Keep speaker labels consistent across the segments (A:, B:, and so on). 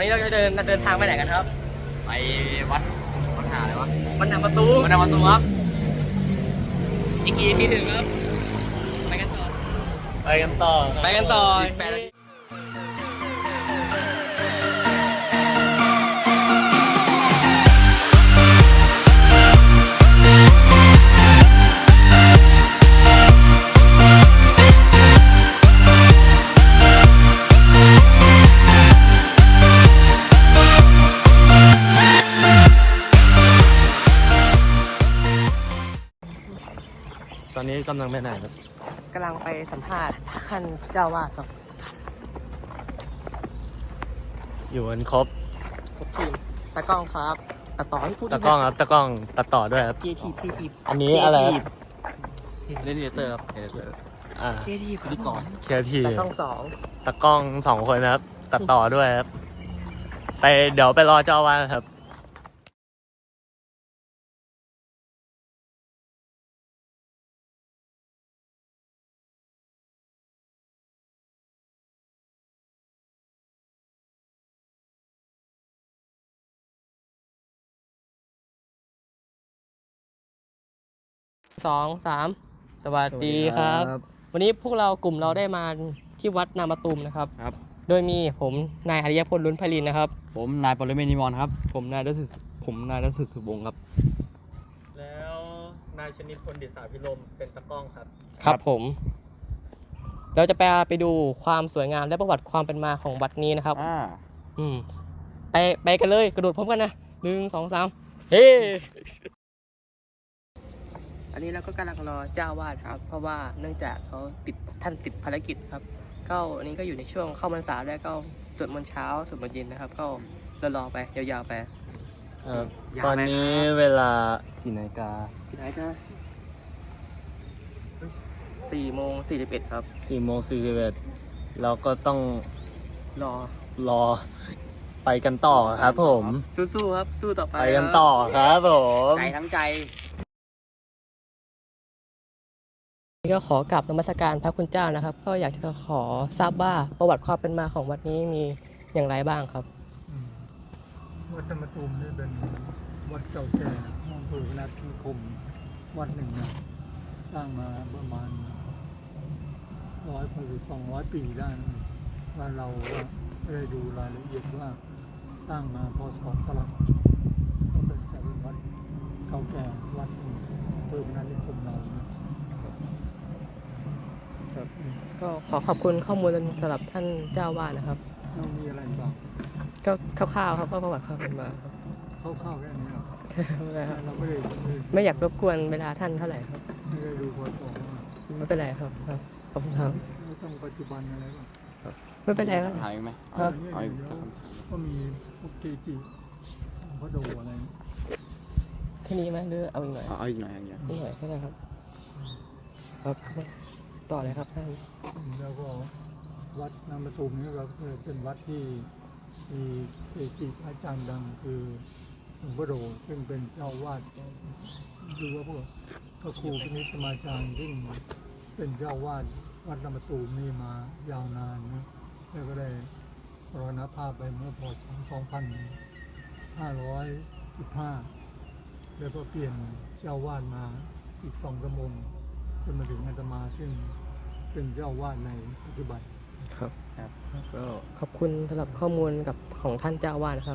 A: เราจะเดินทางไปไหนกันครับไปวัดหาอะไรวะวัดนางประตูครับอีกกี่ทีถึงครับไปกันต่อ8 นาที
B: ตอนนี้กำลังไปไหนครับ
A: กำลังไปสัมภาษณ์ท่านเจ้าวาดครับ
B: อยู่กันครบ
A: ทีมตากล้องครับตัดต่อให้พูด
B: ตากล้องครับตากล้องตัดต่อด้วยครับ
A: ที
B: อันนี้อะไรเล่นเตอร์ครับ
A: ทีพิธีกร
B: เคที
A: ตากล้อง
B: ตากล้อง2 คนนะครับตัดต่อด้วยครับเดี๋ยวไปรอเจ้าวาดครับ
A: 2 3สวัสดีครับวันนี้พวกเรากลุ่มเราได้มาที่วัดนามตูมนะครับโดยมีผมนายอริยพล ลุ้นไพลินนะครับ
C: ผมนายปรเมศ นิมรครับ
D: ผมนายรัศสุวงศ์ครับ
B: แล้วนายชนิดพล ดิษฐาภิรมเป็นตากล้องครับ
A: ครับผมเราจะไปดูความสวยงามและประวัติความเป็นมาของวัดนี้นะครับไปกันเลยกระโดดพร้อมกันนะ1 2 3เฮ้อันนี้เราก็กำลังรอเจ้าวาดครับเพราะว่าเนื่องจากท่านติดภารกิจครับก็อันนี้ก็อยู่ในช่วงเข้าพรรษาแล้วก็สวดมนต์เช้าสวดมนต์เย็นนะครับก็รอไปยาวๆไป
B: ตอนนี้เวลากี่นาฬิกา
A: 4:41ครับ
B: 4:41เราก็ต้องรอไปกันต่อครับผม
A: สู้ๆครับสู้ต่อไป
B: กันต่อครับผม
A: ใจทั้งใจก็ขอกราบนมัสการพระคุณเจ้านะครับก็อยากจะขอทราบว่าประวัติความเป็นมาของวัดนี้มีอย่างไรบ้างครับ
E: วัดธรรมตูมนี่เป็นวัดเก่าแก่อำเภอพนัสนิคมวัดหนึ่งนะสร้างมาประมาณ200 ปีได้ว่าเราไม่ได้ดูรายละเอียดว่าสร้างมาพศสลับก็เป็นวัดเก่าแก่วัดหนึ่งอำเภอพนัสนิคมเรา
A: ก็ขอบคุณข้อมูลสำหรับท่านเจ้าวาดนะครับ
E: มีอะไรบ้าง
A: ก็คร่าวๆครับก็ประวัติความเป็นมา
E: คร่าวๆแค่นี้ครับ
A: เราไม่อยากรบกวนเวลาท่านเท่าไหร่ครับ
E: ไม่ได้ดูพอส
A: ไม่เป็นไรครับขอบคุณครับ
E: ไม่ต้องปัจจุบันอะไรบ้าง
A: ไม่เป็นไรครับ
C: ถ่ายไหม
E: ก็มีพวกเกจิพระโดอะไร
A: แค่นี้ไหมหรือเอาอีกหน่อย
C: อีกหน่อย
A: แค่นั้นครับต่อเลยครับท่าน
E: แล้วก็วัดนามตูมนี่ก็เป็นวัดที่มีเกจิอาจารย์ดังคือหลวงพ่อโดซึ่งเป็นเจ้าวาดหรือว่าพวกพระครูพินิจสมาจารย์ซึ่งเป็นเจ้าวาดวัดนามตูมนี่มายาวนานนะแล้วก็ได้มรณภาพไปเมื่อพ.ศ. 2515แล้วก็เปลี่ยนเจ้าวาดมาอีก2 กระมงจนมาถึงอาตมาซึ่งเป็นเจ้าวาดในปัจจุบัน
A: ครับก็ขอบคุณสำหรับข้อมูลของท่านเจ้าวาดนะครับ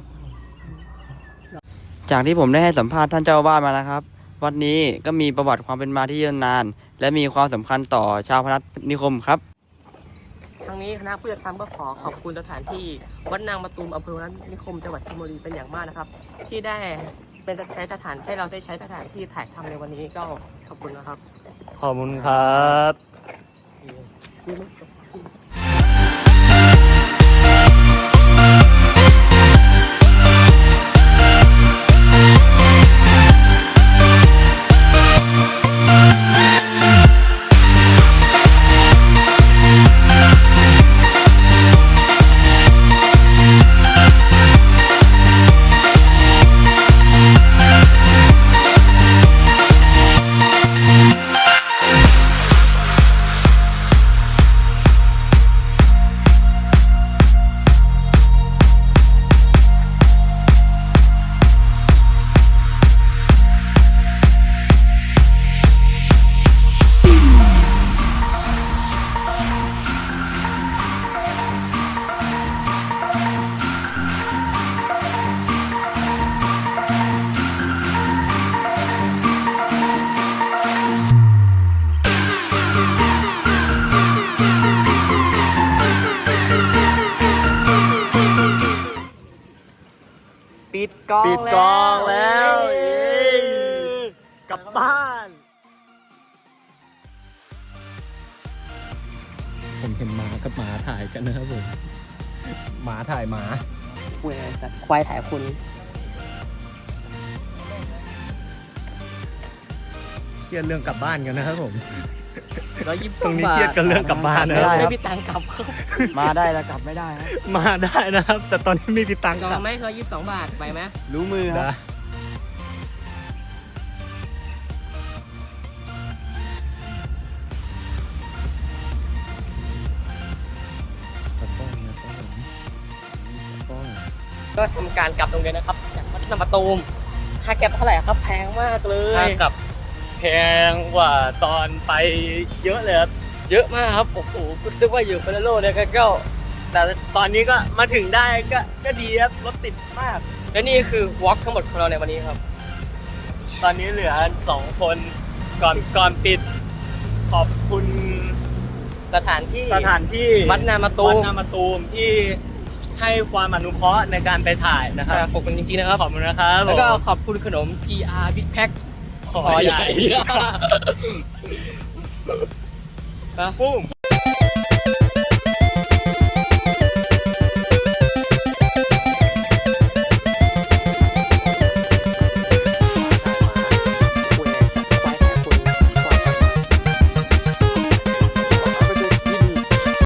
C: จากที่ผมได้ให้สัมภาษณ์ท่านเจ้าวาดมานะครับวัดนี้ก็มีประวัติความเป็นมาที่ยาวนานและมีความสำคัญต่อชาวพนัสนิคมครับ
A: ทางนี้คณะผู้จัดทำก็ขอบคุณสถานที่วัดนางมะตูมอำเภอพนัสนิคมจังหวัดชลบุรีเป็นอย่างมากนะครับที่ได้เป็นใช้สถานให้เราได้ใช้สถานที่ถ่ายทำในวันนี้ก็ขอบคุณนะครับ
B: ขอบคุณครับ
A: ดกล้อง
B: ปิดกล้องแล้ว
A: เย้
B: กลับบ้าน ผมเห็นหมากับหมาถ่ายกันนะครับผมหมาถ่ายหมา
A: คุยอะไรสัตว์ควายถ่ายคุณ
B: เครียดเรื่องกลับบ้านกันนะครับผม
A: 120
B: ตรงนี้เครียดกันเรื่องกลับบ้านนะ
C: ไม่ได้
A: ไม่มีตังค์กลับครับ
C: มาได้แล้วกลับไม่ได้ครับ
B: มาได้นะครับ แต่ตอนนี้ไม่มีตังค์
A: จ
B: ก
A: อ
B: ลั
A: ง
B: บ
A: ไหม122 บาทไปไหม
C: รู้มือครับ
B: นะตะก้องนะครับผมตะก้อง
A: ก็ทำการกลับโรงเรียนนะครับจากวัดนำประตูมค่าแก๊ปเท่าไหร่ครับแพงมากเลย
B: ค่ากลับแพงกว่าตอนไปเยอะเลยครับ
A: เยอะมากครับโอ้โหนึกว่าอยู่คนละโลกเลยก็
B: แต่ตอนนี้ก็มาถึงได้ก็ดีครับ รถติดมาก
A: และนี่คือวอล์กทั้งหมดของเราในวันนี้ครับ
B: ตอนนี้เหลือ2 คนก่อนปิด ขอบคุณ
A: สถานที่
B: สถานที่
A: วัดนามาตู
B: วัด
A: ม
B: นามาตูมที่ให้ความอนุเคราะห์ในการไปถ่ายนะครับ
A: ขอบคุณจริงๆนะครับ
B: ขอบคุณนะครับ
A: แล้วก็
B: ผม
A: ขอบคุณขนม GR Big Pack
B: ขอใหญ่
A: ครับ
B: ปุ้ม